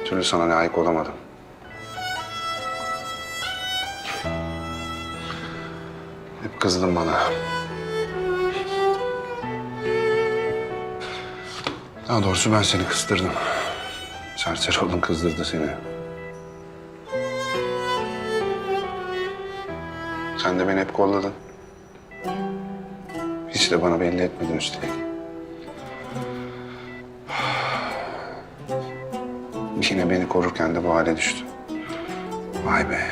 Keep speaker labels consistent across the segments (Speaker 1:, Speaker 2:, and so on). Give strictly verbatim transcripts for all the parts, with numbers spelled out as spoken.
Speaker 1: türlü sana layık olamadım. Hep kızdın bana. Daha doğrusu ben seni kızdırdım. Serseri oldun, kızdırdı seni. Sen de beni hep kolladın. Hiç de bana belli etmedin üstelik. Yine beni korurken de bu hale düştü. Vay be.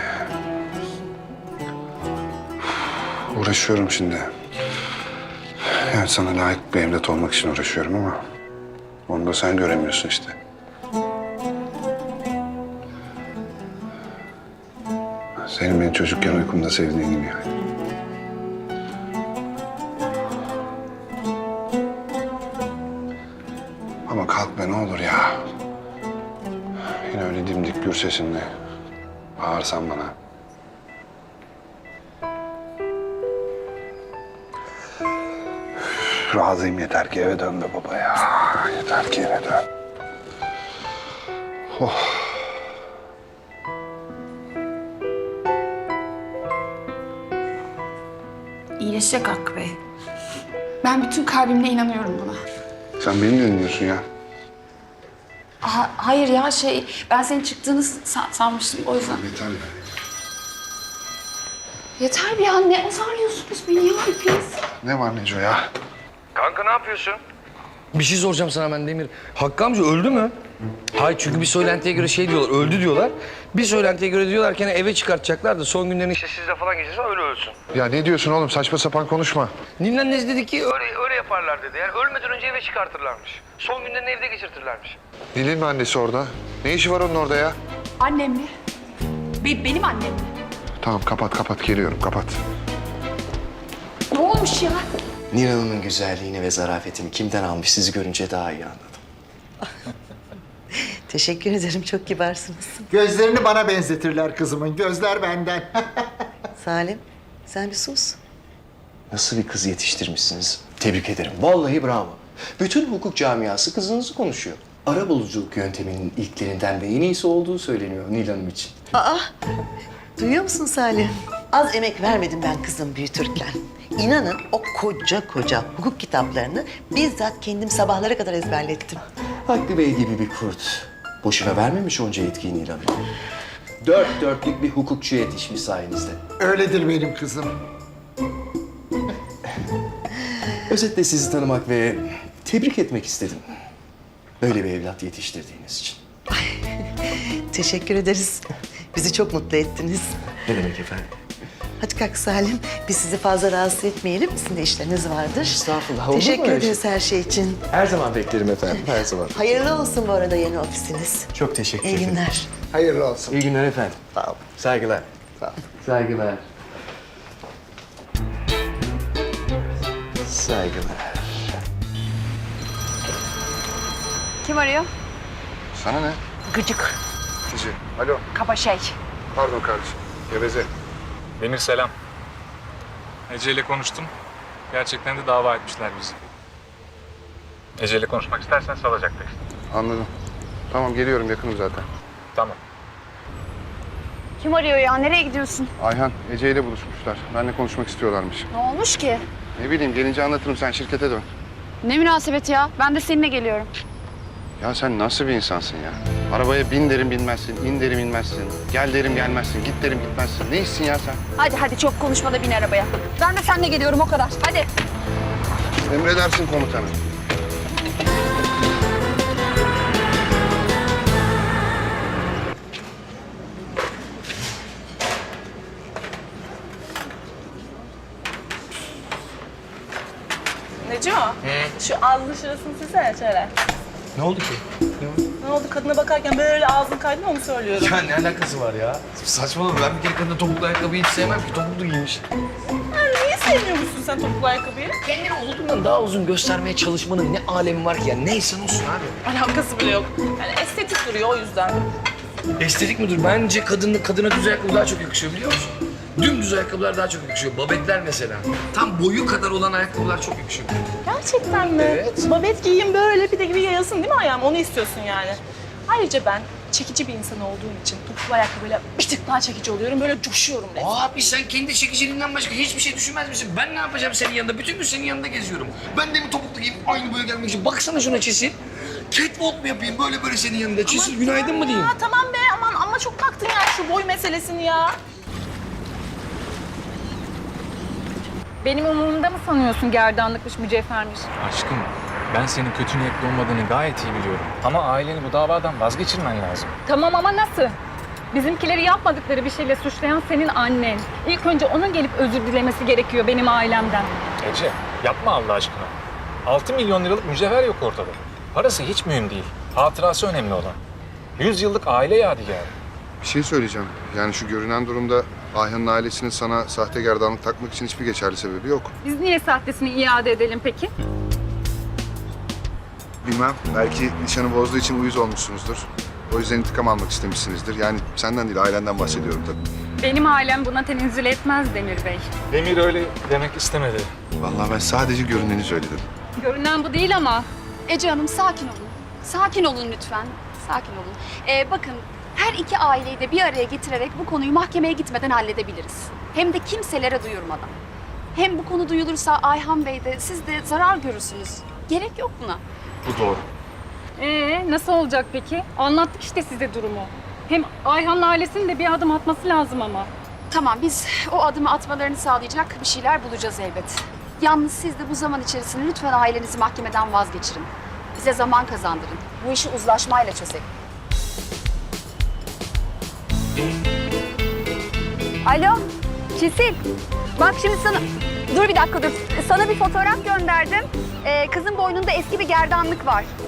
Speaker 1: Uğraşıyorum şimdi. Evet, sana layık bir evlat olmak için uğraşıyorum ama... onu da sen göremiyorsun işte. Senin beni çocukken uykumda sevdiğin gibi yani. Ama kalk be ne olur ya. Yine öyle dimdik gür sesinle bağırsan bana. Üf, razıyım, yeter ki eve dön be baba ya. Yeter ki eve dön. Oh.
Speaker 2: İyileşecek Hakkı Bey. Ben bütün kalbimle inanıyorum buna.
Speaker 1: Sen beni mi dinliyorsun ya?
Speaker 2: Ha, hayır ya şey, ben senin çıktığını san- sanmıştım o yüzden.
Speaker 1: Yeter be.
Speaker 2: Yeter bir ya, ne azarlıyorsunuz beni ya hepiniz?
Speaker 1: Ne var Neco ya?
Speaker 3: Kanka ne yapıyorsun? Bir şey soracağım sana ben Demir. Hakkı amca öldü mü? Hayır, çünkü bir söylentiye göre şey diyorlar, öldü diyorlar. Bir söylentiye göre diyorlar ki hani eve çıkartacaklar da son günlerini işte sizle falan geçirse öyle ölsün.
Speaker 1: Ya ne diyorsun oğlum? Saçma sapan konuşma.
Speaker 3: Nilden Nez dedi ki öyle, öyle yaparlar dedi. Yani ölmeden önce eve çıkartırlarmış. Son günlerini evde geçirtirlermiş.
Speaker 1: Nil'in mi annesi orada? Ne işi var onun orada ya?
Speaker 2: Annem mi? Be- benim annem mi?
Speaker 1: Tamam, kapat kapat, geliyorum, kapat.
Speaker 2: Ne olmuş ya?
Speaker 4: Nil Hanım'ın güzelliğini ve zarafetini kimden almış sizi görünce daha iyi anladım.
Speaker 5: Teşekkür ederim, çok kibarsınız.
Speaker 6: Gözlerini bana benzetirler kızımın. Gözler benden.
Speaker 5: Salim, sen bir sus.
Speaker 4: Nasıl bir kız yetiştirmişsiniz? Tebrik ederim. Vallahi bravo. Bütün hukuk camiası kızınızı konuşuyor. Arabuluculuk yönteminin ilklerinden ve en iyisi olduğu söyleniyor Nil Hanım için.
Speaker 5: Aa, duyuyor musun Salim? Az emek vermedim ben kızım büyütürken. İnanın o koca koca hukuk kitaplarını bizzat kendim sabahlara kadar ezberlettim.
Speaker 4: Hakkı Bey gibi bir kurt. Boşuna vermemiş onca yetkiyi Nil Hanım. Dört dörtlük bir hukukçu yetişmiş sayenizde.
Speaker 6: Öyledir benim kızım.
Speaker 4: Özetle sizi tanımak ve tebrik etmek istedim. Böyle bir evlat yetiştirdiğiniz için.
Speaker 5: Teşekkür ederiz. Bizi çok mutlu ettiniz.
Speaker 4: Ne demek efendim?
Speaker 5: Hadi kalk Salim, biz sizi fazla rahatsız etmeyelim. Sizin de işleriniz vardır.
Speaker 4: Estağfurullah, olur mu
Speaker 5: Teşekkür
Speaker 4: öyle şey?
Speaker 5: ederiz her şey için.
Speaker 4: Her zaman beklerim efendim, her zaman.
Speaker 5: Hayırlı olsun bu arada yeni ofisiniz.
Speaker 4: Çok teşekkür
Speaker 5: İyi
Speaker 4: ederim.
Speaker 5: günler.
Speaker 6: Hayırlı olsun.
Speaker 4: İyi günler efendim.
Speaker 6: Sağ ol.
Speaker 4: Saygılar.
Speaker 6: Sağ ol.
Speaker 4: Saygılar. Saygılar.
Speaker 2: Kim arıyor?
Speaker 1: Sana ne?
Speaker 2: Gıcık,
Speaker 1: Kişi. Alo.
Speaker 2: kaba şey.
Speaker 1: Pardon kardeşim. Geveze.
Speaker 7: Demir selam. Ece ile konuştum. Gerçekten de dava etmişler bizi. Ece ile konuşmak istersen salacakta işte.
Speaker 1: Anladım. Tamam, geliyorum, yakınım zaten.
Speaker 7: Tamam.
Speaker 2: Kim arıyor ya? Nereye gidiyorsun?
Speaker 1: Ayhan, Ece ile buluşmuşlar. Benimle konuşmak istiyorlarmış.
Speaker 2: Ne olmuş ki?
Speaker 1: Ne bileyim, gelince anlatırım, sen şirkete dön.
Speaker 2: Ne münasebet ya? Ben de seninle geliyorum.
Speaker 1: Ya sen nasıl bir insansın ya? Arabaya bin derim binmezsin, in derim inmezsin. Gel derim gelmezsin, git derim gitmezsin. Ne işsin ya sen?
Speaker 2: Hadi hadi çok konuşma da bin arabaya. Ben de seninle geliyorum o kadar. Hadi.
Speaker 1: Emredersin komutanım.
Speaker 8: Neco, şu ağzının şurasını silsene şöyle.
Speaker 3: Ne oldu ki?
Speaker 8: Ne oldu? Kadına bakarken böyle ağzın kaydı mı onu söylüyorum.
Speaker 3: Ya ne alakası var ya? Saçmalama, ben bir kere kadın topuklu ayakkabıyı hiç sevmem ki. Topuklu giymiş.
Speaker 8: Yani niye sevmiyormuşsun sen topuklu ayakkabıyı?
Speaker 3: Kendini olduğundan daha uzun göstermeye çalışmanın ne alemi var ki ya? Neyse olsun abi.
Speaker 8: Alakası bile yok. Yani estetik duruyor o yüzden.
Speaker 3: Estetik midir? Bence kadın, kadına düz ayakkabı daha çok yakışıyor biliyor musun? Dümdüz ayakkabılar daha çok yakışıyor. Babetler mesela. Tam boyu kadar olan ayakkabılar çok yakışıyor.
Speaker 8: Gerçekten mi?
Speaker 3: Evet.
Speaker 8: Babet giyeyim böyle bir de gibi yayılsın değil mi ayağım? Onu istiyorsun yani. Ayrıca ben çekici bir insan olduğum için topuklu ayakkabıyla bir tık daha çekici oluyorum. Böyle coşuyorum resmen.
Speaker 3: Abi sen kendi çekiciliğinden başka hiçbir şey düşünmez misin? Ben ne yapacağım senin yanında? Bütün gün senin yanında geziyorum. Ben de mi topuklu giyeyim aynı böyle gelmek için? Baksana şuna Çisil. Catwalk mu yapayım böyle böyle senin yanında? Çisil günaydın mı diyeyim?
Speaker 8: Ya tamam be aman ama çok taktın ya şu boy meselesini ya.
Speaker 9: Benim umurumda mı sanıyorsun gerdanlıkmış, mücevhermiş?
Speaker 7: Aşkım, ben senin kötü niyetli olmadığını gayet iyi biliyorum. Ama aileni bu davadan vazgeçirmen lazım.
Speaker 9: Tamam ama nasıl? Bizimkileri yapmadıkları bir şeyle suçlayan senin annen. İlk önce onun gelip özür dilemesi gerekiyor benim ailemden.
Speaker 7: Ece, yapma Allah aşkına. altı milyon liralık mücevher yok ortada. Parası hiç mühim değil. Hatırası önemli olan. yüz yıllık aile yadigarı.
Speaker 1: Bir şey söyleyeceğim. Yani şu görünen durumda Ayhan'ın ailesinin sana sahte gerdanlık takmak için hiçbir geçerli sebebi yok.
Speaker 9: Biz niye sahtesini iade edelim peki?
Speaker 1: Bilmem. Belki nişanı bozduğu için uyuz olmuşsunuzdur. O yüzden intikam almak istemişsinizdir. Yani senden değil, ailenden bahsediyorum tabii.
Speaker 9: Benim ailem buna tenezzül etmez Demir Bey.
Speaker 7: Demir öyle demek istemedi.
Speaker 1: Vallahi ben sadece görüneni söyledim.
Speaker 9: Görünen bu değil ama.
Speaker 2: Ece Hanım sakin olun. Sakin olun lütfen. Sakin olun. Ee, bakın her iki aileyi de bir araya getirerek bu konuyu mahkemeye gitmeden halledebiliriz. Hem de kimselere duyurmadan. Hem bu konu duyulursa Ayhan Bey de siz de zarar görürsünüz. Gerek yok buna.
Speaker 7: Bu doğru.
Speaker 9: Ee, nasıl olacak peki? Anlattık işte size durumu. Hem Ayhan'ın ailesinin de bir adım atması lazım ama.
Speaker 2: Tamam biz o adımı atmalarını sağlayacak bir şeyler bulacağız elbet. Yalnız siz de bu zaman içerisinde lütfen ailenizi mahkemeden vazgeçirin. Bize zaman kazandırın. Bu işi uzlaşmayla çözelim.
Speaker 10: Alo, Çisil. Bak şimdi sana... Dur bir dakika dur. Sana bir fotoğraf gönderdim. Ee, kızın boynunda eski bir gerdanlık var.